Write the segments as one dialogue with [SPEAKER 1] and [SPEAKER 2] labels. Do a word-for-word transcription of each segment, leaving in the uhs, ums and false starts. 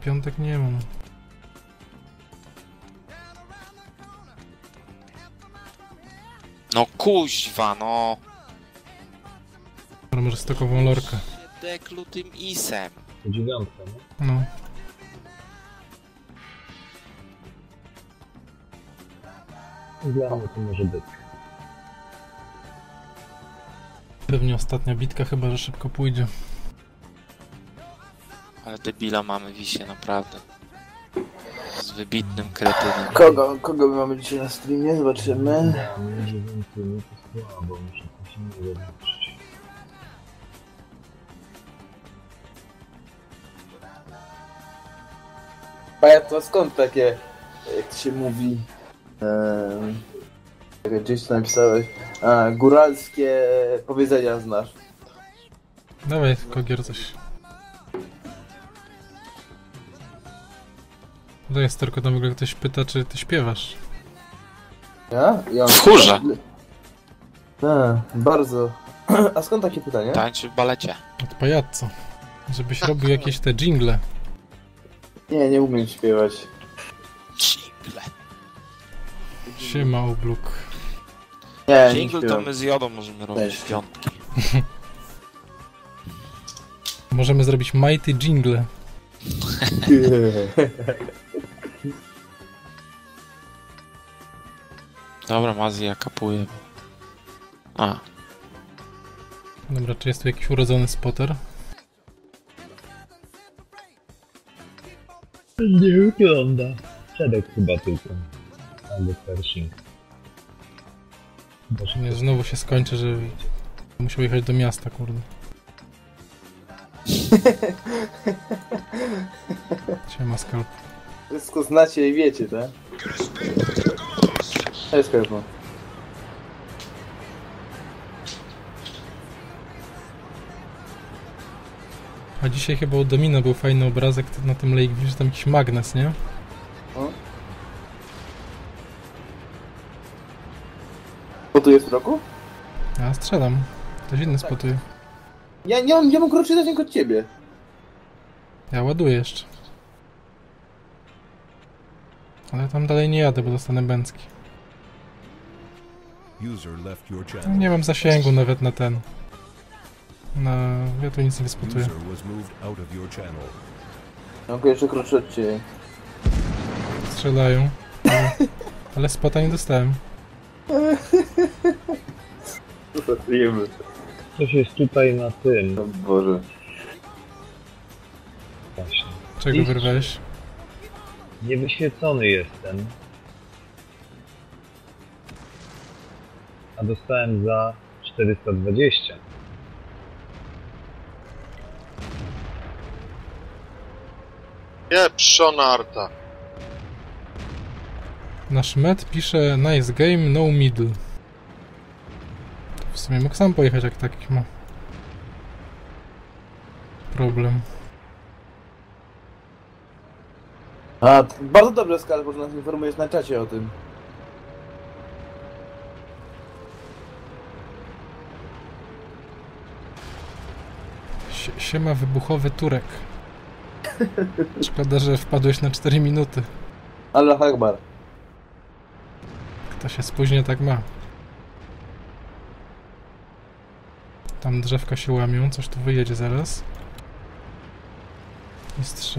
[SPEAKER 1] piątek nie mam.
[SPEAKER 2] No kuźwa, no.
[SPEAKER 1] Może stokową lorkę.
[SPEAKER 2] Deklu tym isem.
[SPEAKER 3] To dziewiątka, nie?
[SPEAKER 1] No.
[SPEAKER 3] Dla mnie to może być.
[SPEAKER 1] Pewnie ostatnia bitka, chyba że szybko pójdzie.
[SPEAKER 2] Ale debila mamy wisie, naprawdę. Z wybitnym kretynem.
[SPEAKER 4] Kogo, kogo my mamy dzisiaj na streamie? Zobaczymy.
[SPEAKER 3] Ja mnie dziewiątkę nie to słabo, muszę to się nie zobaczyć.
[SPEAKER 4] A to skąd takie, jak to się mówi, um, jak gdzieś tu napisałeś, a, góralskie powiedzenia znasz?
[SPEAKER 1] Dawaj, Kogier, coś. To jest tylko tam w ogóle ktoś pyta, czy ty śpiewasz.
[SPEAKER 4] Ja? Ja
[SPEAKER 2] W chórze.
[SPEAKER 4] A, bardzo. A skąd takie pytanie?
[SPEAKER 2] Tańczy w balecie.
[SPEAKER 1] Od pajaco. Żebyś robił jakieś te dżingle.
[SPEAKER 4] Nie, nie umiem śpiewać.
[SPEAKER 2] Jingle.
[SPEAKER 1] Siema, obluk.
[SPEAKER 4] Nie, nie
[SPEAKER 2] Jingle to
[SPEAKER 4] śpiewam.
[SPEAKER 2] my z Jodą możemy robić
[SPEAKER 4] Też.
[SPEAKER 2] w piątki.
[SPEAKER 1] Możemy zrobić mighty jingle.
[SPEAKER 2] Dobra, Mazji, ja kapuję. A,
[SPEAKER 1] Dobra, czy jest tu jakiś urodzony spotter?
[SPEAKER 3] Nie wygląda. Przedek chyba tylko. Albo Pershing.
[SPEAKER 1] Czy nie, znowu się skończy, że musiał jechać do miasta, kurde. Siema, skalp.
[SPEAKER 4] Wszystko znacie i wiecie, tak? Cześć, Skarpo.
[SPEAKER 1] A dzisiaj chyba u Domina był fajny obrazek na tym Lake View, że tam jakiś magnes, nie?
[SPEAKER 4] O. Spotujesz w roku?
[SPEAKER 1] Ja strzelam. Ktoś inny spotuje.
[SPEAKER 4] Ja nie mam, ja mam krótszy zasięg od ciebie.
[SPEAKER 1] Ja ładuję jeszcze. Ale tam dalej nie jadę, bo dostanę bęcki. Nie mam zasięgu nawet na ten. Na... ja tu nic nie wyspotuję.
[SPEAKER 4] Mam jeszcze krótszy od ciebie.
[SPEAKER 1] Strzelają. Ale, ale spota nie dostałem.
[SPEAKER 4] Zostajemy.
[SPEAKER 3] Coś jest tutaj na tym.
[SPEAKER 4] O Boże.
[SPEAKER 3] Właśnie.
[SPEAKER 1] Czego
[SPEAKER 3] Iść.
[SPEAKER 1] wyrwałeś?
[SPEAKER 3] Niewyświecony jestem. A dostałem za czterysta dwadzieścia.
[SPEAKER 5] Pieprzona arta.
[SPEAKER 1] Nasz met pisze nice game, no middle. W sumie mógł sam pojechać, jak taki ma problem.
[SPEAKER 4] A, to bardzo dobrze, Skarpo, że nas informujesz na czacie o tym.
[SPEAKER 1] Sie- Siema, wybuchowy Turek. Szkoda, że wpadłeś na cztery minuty.
[SPEAKER 4] Allah Akbar.
[SPEAKER 1] Kto się spóźnia, tak ma. Tam drzewka się łamią, coś tu wyjedzie zaraz. Jest trzy.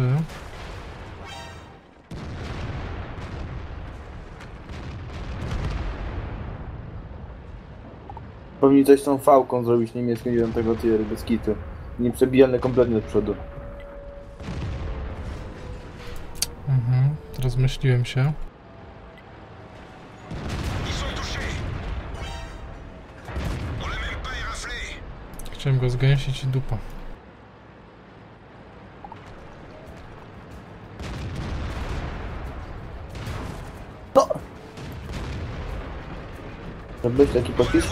[SPEAKER 4] Powinni coś z tą fałką zrobić niemiecką dziewiątego tieru, bez kitu. Nieprzebijane kompletnie od przodu.
[SPEAKER 1] Mhm, rozmyśliłem się. Chciałem go zgęsić i dupa.
[SPEAKER 4] No! Robisz taki popisk?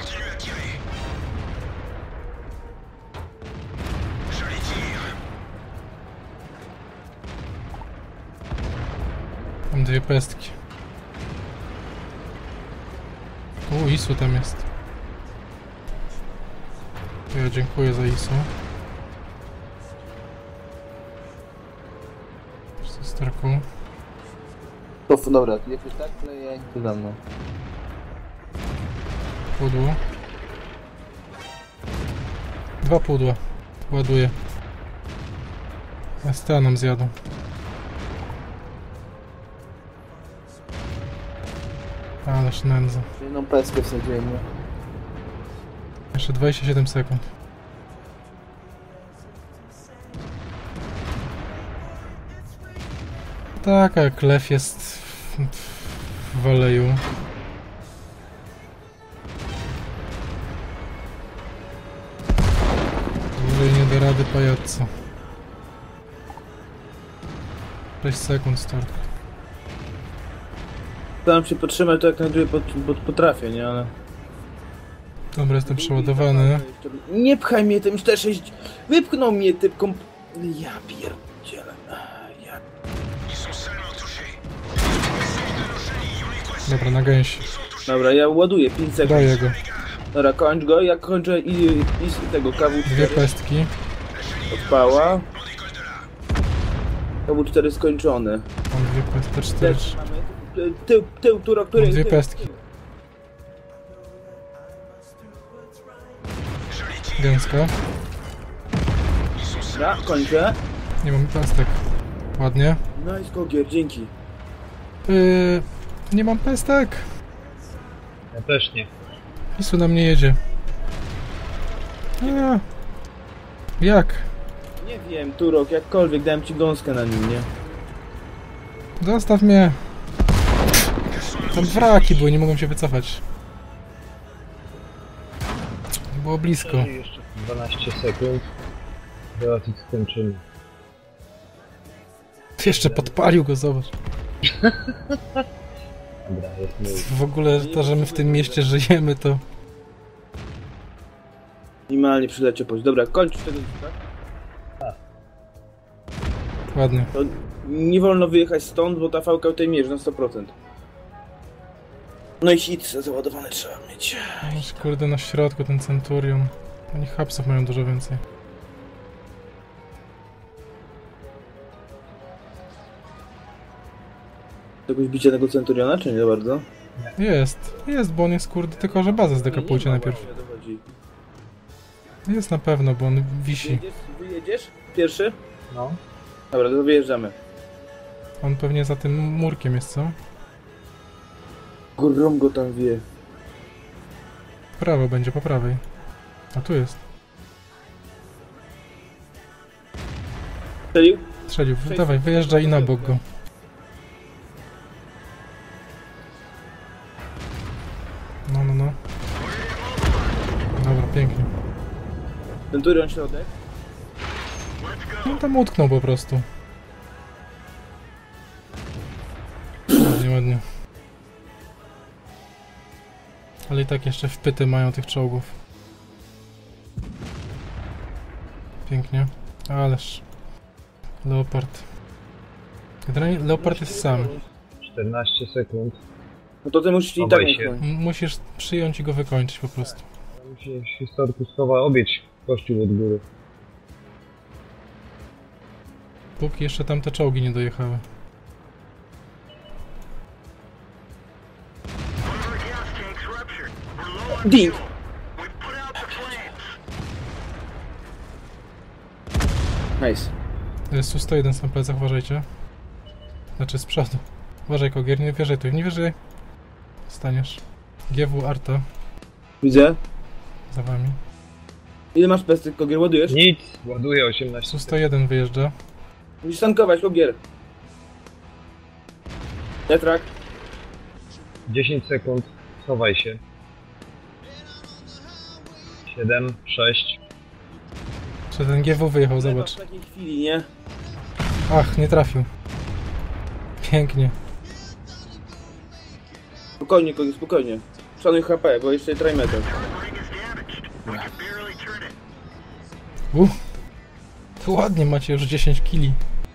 [SPEAKER 1] Mam dwie pestki. U, Isu tam jest. Ja dziękuję za Isu. Z Starką.
[SPEAKER 4] To, dobra, ty jakoś tak kleję, to za mną.
[SPEAKER 1] Pudło. Dwa pudła. Ładuję. S T nam zjadą. Ależ nędza.
[SPEAKER 4] Jedną peskę wsadziłem, nie?
[SPEAKER 1] Jeszcze dwadzieścia siedem sekund. Tak, jak lew jest w, w Waleju. Dłużej nie da rady pajaco. sześć sekund start.
[SPEAKER 5] Staram się podtrzymać to jak najdłużej pod, pod, potrafię, nie? Ale...
[SPEAKER 1] Dobra, jestem przeładowany.
[SPEAKER 5] Nie pchaj mnie tym cztery sześć... Wypchnął mnie tym komp... Ja pierdzielę. Ja...
[SPEAKER 1] Dobra, na gęsi.
[SPEAKER 5] Dobra, ja ładuję pięć sekund.
[SPEAKER 1] Daję go.
[SPEAKER 5] Dobra, kończ go, ja kończę i, i, i tego K W cztery.
[SPEAKER 1] Dwie pestki.
[SPEAKER 5] Odpała. K W cztery skończony.
[SPEAKER 1] Mam dwie pestki, cztery.
[SPEAKER 5] Też mamy tył, tył, tył, który...
[SPEAKER 1] Mam dwie
[SPEAKER 5] tył,
[SPEAKER 1] pestki.
[SPEAKER 5] tył.
[SPEAKER 1] Gęska.
[SPEAKER 5] Dobra, kończę.
[SPEAKER 1] Nie mam pestek. Ładnie.
[SPEAKER 5] Nice, Kogier, dzięki.
[SPEAKER 1] Yy, nie mam pestek.
[SPEAKER 3] Ja też nie.
[SPEAKER 1] Isu na mnie jedzie. A, jak?
[SPEAKER 5] Nie wiem, Turok, jakkolwiek, dałem ci gąskę na nim, nie?
[SPEAKER 1] Zostaw mnie. Tam wraki były, nie mogłem się wycofać. Było blisko.
[SPEAKER 3] Jeszcze dwanaście sekund. Zaraz ich skończymy.
[SPEAKER 1] Jeszcze podpalił go, zobacz.
[SPEAKER 3] Dobra, jest mój.
[SPEAKER 1] W ogóle to, że my w tym mieście żyjemy, to...
[SPEAKER 5] Minimalnie przylecie poś. Dobra, kończ tego, tak?
[SPEAKER 1] Ładnie.
[SPEAKER 5] To nie wolno wyjechać stąd, bo ta fałka tutaj mierzy na sto procent. No i hit załadowany trzeba mieć.
[SPEAKER 1] Aż kurde na środku ten Centurion. Oni hapsów mają dużo więcej.
[SPEAKER 5] Jakoś bicie tego Centuriona, czy nie bardzo?
[SPEAKER 1] Jest, jest, bo on jest kurde, tylko że bazę zdekapujcie najpierw. Jest na pewno, bo on wisi.
[SPEAKER 5] Wyjedziesz? Wyjedziesz? Pierwszy?
[SPEAKER 3] No.
[SPEAKER 5] Dobra, to wyjeżdżamy.
[SPEAKER 1] On pewnie za tym murkiem jest, co?
[SPEAKER 5] Grom go tam wie.
[SPEAKER 1] W prawo będzie, po prawej. A tu jest.
[SPEAKER 5] Strzelił?
[SPEAKER 1] Strzelił, dawaj, wyjeżdżaj i na bok go. No, no, no. Dobra, pięknie.
[SPEAKER 5] Centurion środek.
[SPEAKER 1] No tam utknął po prostu. Ładnie, ładnie. Ale i tak jeszcze wpyty mają tych czołgów. Pięknie. Ależ. Leopard. Generalnie Leopard jest sam.
[SPEAKER 3] czternaście sekund.
[SPEAKER 5] No to ty musisz i tak
[SPEAKER 3] Chowaj się.
[SPEAKER 5] utknąć.
[SPEAKER 1] M- Musisz przyjąć i go wykończyć po prostu.
[SPEAKER 3] Musi historku schowa obieć kościół od góry.
[SPEAKER 1] Póki jeszcze tam te czołgi nie dojechały.
[SPEAKER 5] Ding! Nice.
[SPEAKER 1] Jest tu sto jeden na plecach, uważajcie. Znaczy z przodu. Uważaj, Kogier, nie wierzaj tu, nie wierzaj. Staniesz. G W Arta
[SPEAKER 5] Widzę.
[SPEAKER 1] za wami.
[SPEAKER 5] Ile masz pestek, Kogier? Ładujesz?
[SPEAKER 3] Nic! Ładuję osiemnaście.
[SPEAKER 1] Tu sto jeden wyjeżdża.
[SPEAKER 5] Musisz tankować, Kogier. Detrak.
[SPEAKER 3] dziesięć sekund. Schowaj się. siedem, sześć.
[SPEAKER 1] Czy ten G W wyjechał, zobacz.
[SPEAKER 5] W takiej chwili, nie?
[SPEAKER 1] Ach, nie trafił. Pięknie.
[SPEAKER 5] Spokojnie, Kogier, spokojnie. Szanuj H P, bo jeszcze trimeter.
[SPEAKER 1] Uh. To ładnie, macie już dziesięć kili.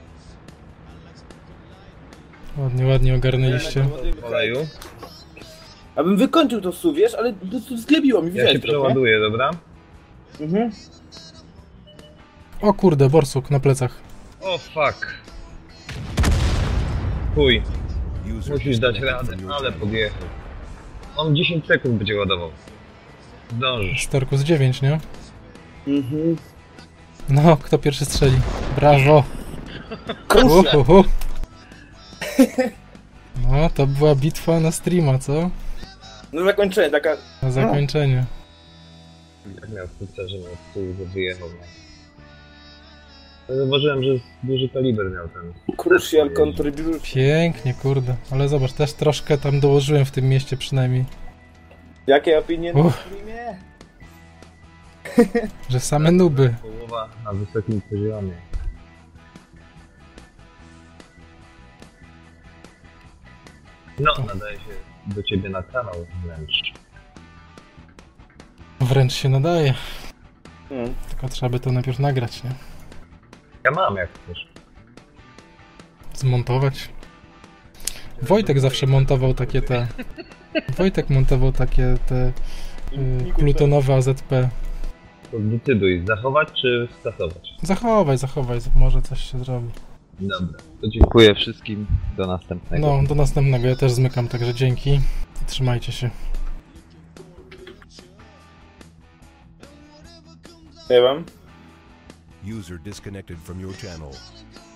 [SPEAKER 1] Ładnie, ładnie ogarnęliście.
[SPEAKER 3] W oleju.
[SPEAKER 5] Abym wykończył to su, wiesz, ale to, to zglebiło mi,
[SPEAKER 3] Ja
[SPEAKER 5] widziałeś
[SPEAKER 3] się
[SPEAKER 5] trochę?
[SPEAKER 3] przeładuję, dobra?
[SPEAKER 5] Mhm.
[SPEAKER 1] O kurde, borsuk na plecach.
[SPEAKER 3] O fuck. Chuj, musisz dać radę, ale podjechał. On dziesięć sekund będzie ładował. Zdążysz.
[SPEAKER 1] Storku z dziewięć, nie?
[SPEAKER 5] Mhm.
[SPEAKER 1] No, kto pierwszy strzeli? Brawo!
[SPEAKER 5] Kruszę.
[SPEAKER 1] Uhuhu. No, to była bitwa na streama, co?
[SPEAKER 5] No zakończenie, taka...
[SPEAKER 1] Na zakończenie.
[SPEAKER 3] Jak miał wkrótce, że miał z tyłu, że wyjechał. No. Zauważyłem, że duży kaliber miał ten.
[SPEAKER 5] Crucial contribution.
[SPEAKER 1] Pięknie, kurde. Ale zobacz, też troszkę tam dołożyłem w tym mieście przynajmniej.
[SPEAKER 5] Jakie opinie na
[SPEAKER 1] Uff.
[SPEAKER 5] streamie?
[SPEAKER 1] Że same nuby.
[SPEAKER 3] Połowa na wysokim poziomie. No, nadaje się do ciebie na kanał wręcz.
[SPEAKER 1] Wręcz się nadaje.
[SPEAKER 5] Hmm.
[SPEAKER 1] Tylko trzeba by to najpierw nagrać, nie?
[SPEAKER 3] Ja mam jak chcesz.
[SPEAKER 1] Zmontować. Wojtek zawsze montował takie te... Wojtek montował takie te... Y, plutonowe A Z P.
[SPEAKER 3] To zdecyduj, zachować czy skasować?
[SPEAKER 1] Zachowaj, zachowaj, może coś się zrobi.
[SPEAKER 3] Dobra, to dziękuję wszystkim, do następnego.
[SPEAKER 1] No, do następnego. Ja też zmykam, także dzięki. I trzymajcie się.
[SPEAKER 5] Nie wiem.
[SPEAKER 6] User disconnected from your channel.